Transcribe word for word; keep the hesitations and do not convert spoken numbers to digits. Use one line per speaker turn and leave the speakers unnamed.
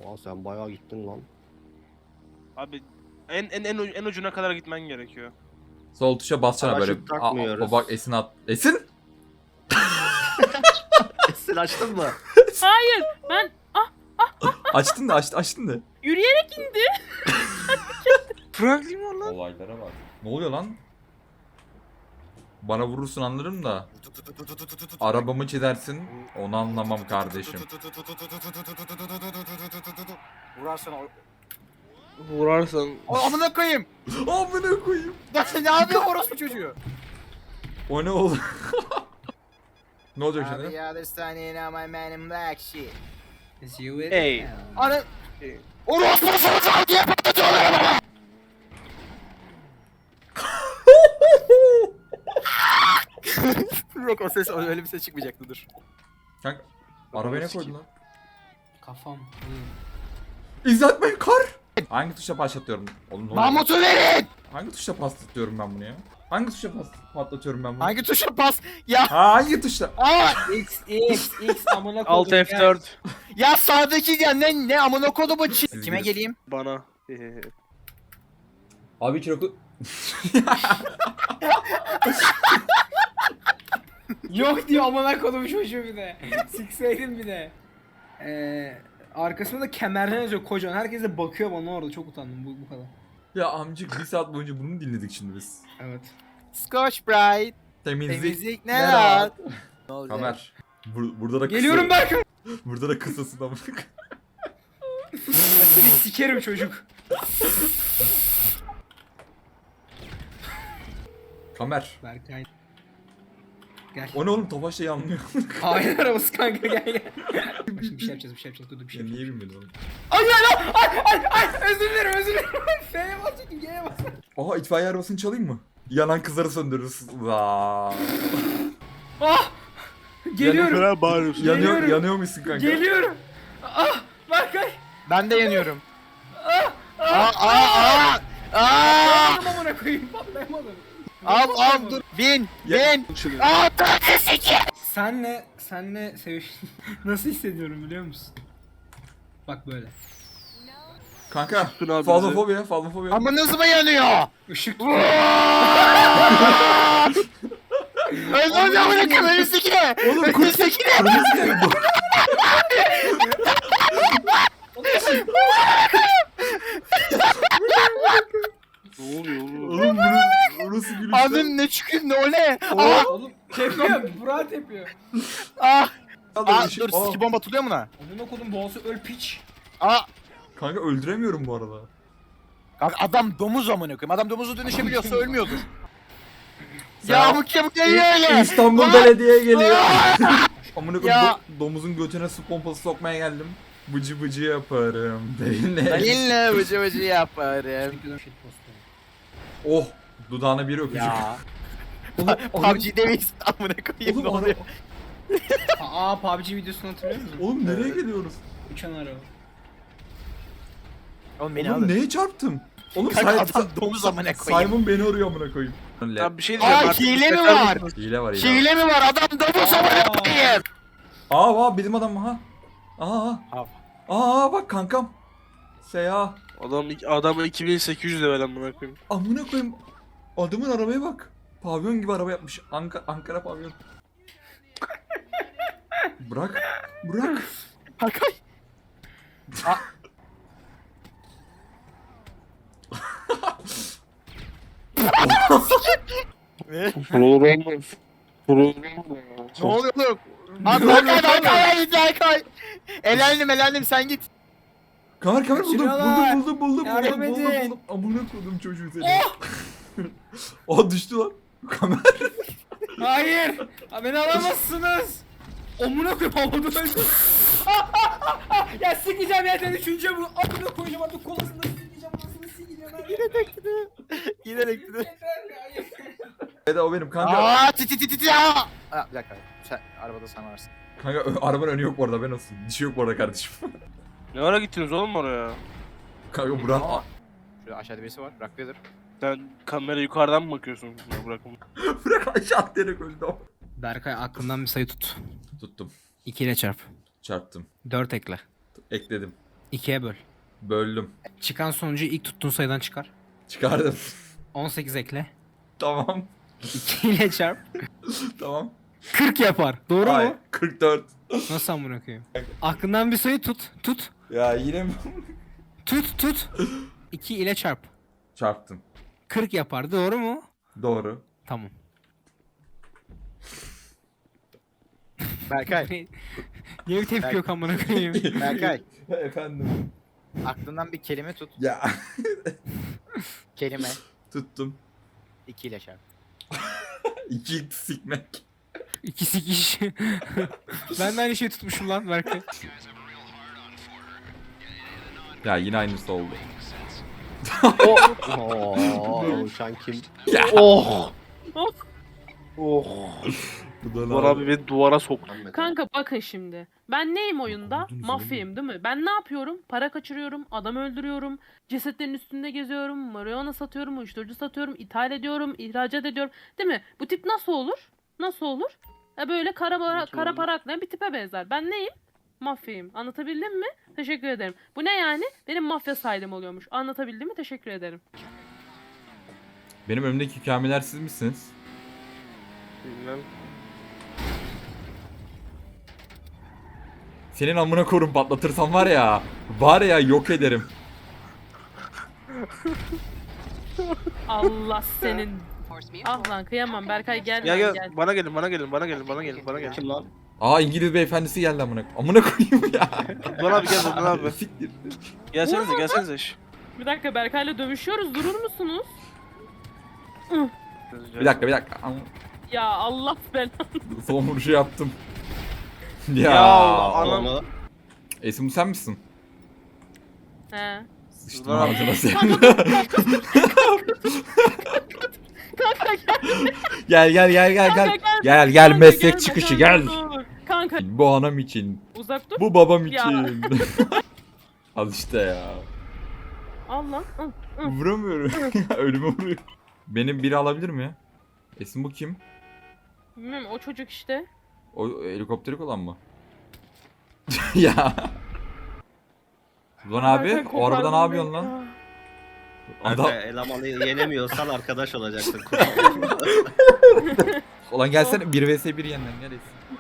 Aa, sen bayağı gittin lan.
Abi en en en, en ucuna kadar gitmen gerekiyor.
Sol tuşa basacaksın böyle.
Paraşüt takmıyoruz.
Aa, bak Esin at. Esin?
Esin açtın mı?
Hayır ben
Açtın da açtın, açtın da.
yürüyerek indi.
Franklin var lan.
Olaylara bak. Ne oluyor lan? Bana vurursun anlarım da. Arabamı çizersin. Onu anlamam kardeşim.
Vurarsan o...
Vurarsan.
O amına koyayım.
Amına koyayım.
Lan ne yapıyor orospu çocuğu?
O ne oldu? Ne olacak
Abi
şimdi?
ya this tiny in my man in black shit.
Is you with
Hey.
it?
Ana... Orospu çocuğu diye patlatıyorlar bana. Yok o ses öyle bir ses çıkmayacaktı dur.
Kanka arabaya ne koydun lan?
Kafam.
İzletmeyin kar. Hangi tuşa başlatıyorum? Oğlum ne oluyor?
Mahmut'u verin!
Hangi tuşa patlatıyorum ben bunu ya? Hangi tuşa pas patlatıyorum ben bunu?
Hangi tuşa pas? Ya
Ha, hangi tuşla?
aa!
X X X amına koydum.
Alt F dört.
Ya sağdaki ya ne ne amına kodumu çi...
Siz
Kime
bilirsiniz.
geleyim?
Bana.
Abi Çiroku...
Yok diyor amına koydum çocuğu bir de. Sikseydin bir de. Ee, arkasında da kemerden yazıyor kocaman. Herkes de bakıyor bana orada. Çok utandım bu, bu kadar.
Ya amcık bir saat boyunca bunu mu dinledik şimdi biz?
Evet.
Scotch Brite.
Temizlik.
Temizlik ne
ne
rahat. Ne olacak?
Kamer. Bur- burada da kısa.
Geliyorum Berkay.
Burada da kısasın amına.
Seni sikerim çocuk.
Kamer.
Berkay. Gel.
O ne oğlum, Tofaş'ta yanmıyor.
Aynen arabası kanka gel gel. Şimdi bir şey yapacağız bir şey yapacağız. Dur dur bir şey
Ya
yapacağız.
niye bilmedin oğlum?
Ay ay ay ay ay özür dilerim özür dilerim. F'ye bas çekin G'ye bas.
Aha, itfaiye arabasını çalayım mı? Yanan kızları söndürürüz. Vaa.
Ah! Geliyorum.
Falan bağırıyorsun.
Yanıyor,
Geliyorum.
yanıyor musun kanka?
Geliyorum. Ah! Berkay.
Ben de yanıyorum. Aa aa aa! Aa!
Patlayamadım amına koyayım patlayamadım.
Al al dur. Bin
Ya-
bin. Aa!
Senle, senle seviş... Nasıl hissediyorum biliyor musun? Bak böyle.
Kanka,
Tutun abi
fazlafobiya, fazlafobiya.
Amınız mı yanıyor?
Işık
Özür amına koyayım önümüzdeki ne?
Oğlum,
Önümüzdeki ne?
Kırmızı geldi bu.
Ne oluyor oğlum?
Oğlum burası, burası gülüşten.
Annem ne çıkıyor ne o ne? Aa!
Oğlum tepiyor, Burak tepiyor.
Aa!
Al
Aa
öyle şey-
dur
Aa.
ski bomba atılıyor mu lan?
Amına kodum boğazı öl piç.
Aa!
Kanka öldüremiyorum bu arada.
Kanka adam domuz amına koyayım. Adam domuza dönüşebiliyorsa ölmüyordur.
Sen-
Ya bu kim geliyor öyle?
İstanbul
Aa!
Belediye geliyor. Amına koyayım,
Ya.
do- domuzun götüne su pompası sokmaya geldim. Bıcı bıcı yaparım. Beyne.
Seninle vıcı vıcı yaparım.
Oh, dudağına bir öpücük.
Ya.
Oğlum,
P U B G'de miyiz? Amına koyayım ne
Oğlum,
oluyor?
Aa P U B G videosunu hatırlıyor musun?
Oğlum nereye geliyoruz?
Uçan araba.
Oğlum beni
Oğlum
alın.
neye çarptım? Oğlum
Kanka
Say-
adam domuz amına koyayım.
Simon beni arıyor amına koyayım.
Abi bir şey diyeceğim.
Aa
artık
hile mi
yeter
var?
misin?
Hile var hile.
Hile mi var? Adam domuz amına koyayım.
Aa, aa bizim adam ha. Aa.
Abi.
Aa bak kankam. Seya.
Adam adam iki bin sekiz yüz level amına koyayım.
Amına koyayım. Adamın arabaya bak. Pavyon gibi araba yapmış. Anka Ankara pavyon. Bırak. Bırak.
Hakay. Ne? Ne oluyor oğlum? Abi Hakay Hakay git Hakay. Elendim elendim sen git.
Kamer kamer buldum.
Kaçırıyorlar.
Buldum buldum buldum.
Yardım
buldum, buldum,
edin.
buldum. Amına koydum çocuğu seni. Aa düştü lan. Kamer.
Hayır! Ha, beni alamazsınız! Amına koyayım havada öldü. Ya sikeceğim ya seni üçüncü bu. Amına koyacağım artık kolasını sikeceğim anasını sikeceğim.
Yine dekti. Yine dekti.
Yeter ya.
Evet o benim kanka.
Aa ti ti ti ti ti ya. Aa, bir dakika. Sen arabada sen varsın.
Kanka ö- arabanın önü yok bu arada, ben olsun. Dişi yok bu arada kardeşim.
Ne ara gittiniz oğlum oraya?
Kanka Burak.
Aa. Şurada aşağıda birisi var. Rock Vader.
Sen kamera yukarıdan mı bakıyorsun? Ya bırakın.
Burak aşağı atlayarak öldü o.
Berkay aklından bir sayı tut.
Tuttum.
iki ile çarp.
Çarptım.
dört ekle.
Ekledim.
ikiye böl.
Böldüm.
Çıkan sonucu ilk tuttuğun sayıdan çıkar.
Çıkardım.
on sekiz ekle.
Tamam.
iki ile çarp.
Tamam.
kırk yapar. Doğru
Ay,
mu?
kırk dört.
Nasıl amına koyayım? Aklından bir sayı tut. Tut.
Ya yine mi?
Tut tut. iki ile çarp.
Çarptım.
kırk yapar. Doğru mu?
Doğru.
Tamam.
Berkay.
Niye bir tepki yok amına koyayım?
Berkay.
Efendim.
Aklından bir kelime tut.
Ya.
Kelime.
Tuttum.
iki ile çarp.
İki sikmek.
İki sikiş. Ben de aynı şeyi tutmuşum lan Berkay.
Ya yine aynısı oldu.
Oo, uçan kim?
Oh!
Oh.
Oh!
Bu da
Duvar abi beni duvara soktu.
Kanka bakın şimdi. Ben neyim oyunda? Mafyayım değil mi? Ben ne yapıyorum? Para kaçırıyorum, adam öldürüyorum, cesetlerin üstünde geziyorum, marihuana satıyorum, uyuşturucu satıyorum, ithal ediyorum, ihracat ediyorum. Değil mi? Bu tip nasıl olur? Nasıl olur? E böyle kara, para,
Nasıl
kara
olur?
para aklayan bir tipe benzer. Ben neyim? Mafyayım. Anlatabildim mi? Teşekkür ederim. Bu ne yani? Benim mafya saydım oluyormuş. Anlatabildim mi? Teşekkür ederim.
Benim önümdeki kamiler siz misiniz?
Bilmem.
Senin amına korum patlatırsam var ya. Var ya yok ederim.
Allah senin. Ah lan kıyamam. Berkay gel
Ya
lan,
gel,
gel.
bana gelin, bana gelin, bana gelin, bana gelin, bana gelin.
Kim lan?
Aa İngiliz beyefendisi geldi amına. Amına koyayım ya.
Dur abi gel, dur abi.
Siktir.
Gelsenize, gelsenize. Şş.
Bir dakika Berkay'la dövüşüyoruz. Durur musunuz?
Bir dakika bir dakika. Ama
Ya Allah belanı.
son vuruşu yaptım. Ya.
Ya anam.
Onu
Esin bu sen misin?
He.
Sıçtım
Dur abi.
ağzına senin.
Kanka
Gel
gel.
gel gel gel
Kanka
gel.
gel.
Gel gel
Kanka
meslek
gelme,
çıkışı
kanka,
gel.
dur. Kanka
Bu anam için.
uzak dur.
Bu babam
Ya.
için. Al işte ya.
Al lan. Al. Hı.
Vuramıyorum. Ölüme vuruyor. Benim biri alabilir mi? Esin bu kim?
Bilmiyorum o çocuk işte.
O helikopterik olan mı? Ya. Ulan abi
Berkay
o arabada ne
kopardın
yapıyorsun
beni
lan?
ya.
Adam...
Kanka elemanı yenemiyorsan arkadaş olacaksın.
Ulan gelsene bir vs bir yeniden gel Esin.